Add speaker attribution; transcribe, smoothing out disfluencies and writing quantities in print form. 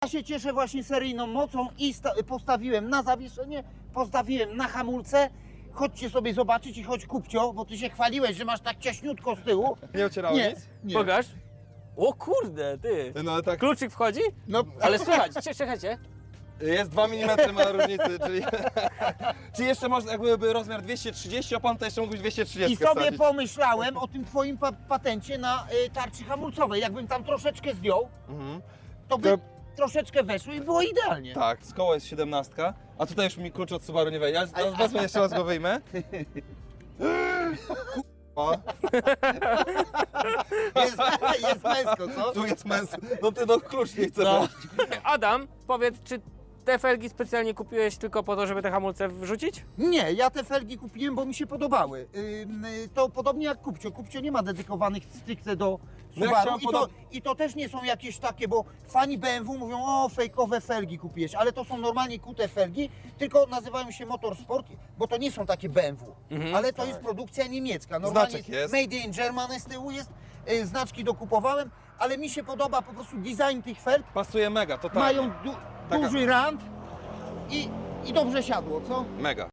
Speaker 1: się cieszę właśnie seryjną mocą i postawiłem na zawieszenie, postawiłem na hamulce. Chodźcie sobie zobaczyć i chodź kupcio, bo ty się chwaliłeś, że masz tak ciaśniutko z tyłu.
Speaker 2: Nie ocierało
Speaker 1: Nie,
Speaker 2: nic?
Speaker 1: nie.
Speaker 3: Pokaż. O kurde, ty.
Speaker 2: No ale tak,
Speaker 3: Kluczyk wchodzi?
Speaker 1: No,
Speaker 3: Ale słychać, czekajcie.
Speaker 2: jest 2 mm ma różnicy, czyli... Czyli jeszcze można, jakby rozmiar 230, a pan to jeszcze mógł być 230
Speaker 1: i sobie
Speaker 2: wsadzić.
Speaker 1: pomyślałem o tym twoim patencie na tarczy hamulcowej. Jakbym tam troszeczkę zdjął,
Speaker 2: Mhm.
Speaker 1: to by troszeczkę weszło i było idealnie.
Speaker 2: Tak, z koła jest 17, a tutaj już mi klucz od Subaru nie wejdzie. Ja wezmę jeszcze raz go wyjmę. O,
Speaker 1: Jest męsko, co?
Speaker 2: tu jest męs. No ty no klucz nie chce
Speaker 1: No.
Speaker 2: wejść.
Speaker 3: Adam, powiedz, czy te felgi specjalnie kupiłeś tylko po to, żeby te hamulce wrzucić?
Speaker 1: Nie, ja te felgi kupiłem, bo mi się podobały. To podobnie jak Kupcio. Kupcio nie ma dedykowanych stricte do
Speaker 2: No ja
Speaker 1: Subaru.
Speaker 2: chciałem
Speaker 1: I to też nie są jakieś takie, bo fani BMW mówią, o fejkowe felgi kupiłeś, ale to są normalnie kute felgi, tylko nazywają się Motorsport, bo to nie są takie BMW, ale to jest produkcja niemiecka. Normalnie
Speaker 2: Znaczek jest.
Speaker 1: Made in Germany z tyłu jest, znaczki dokupowałem, ale mi się podoba po prostu design tych felg.
Speaker 2: Pasuje mega, totalnie.
Speaker 1: Mają
Speaker 2: Taka-
Speaker 1: duży rand i dobrze siadło, co?
Speaker 2: Mega.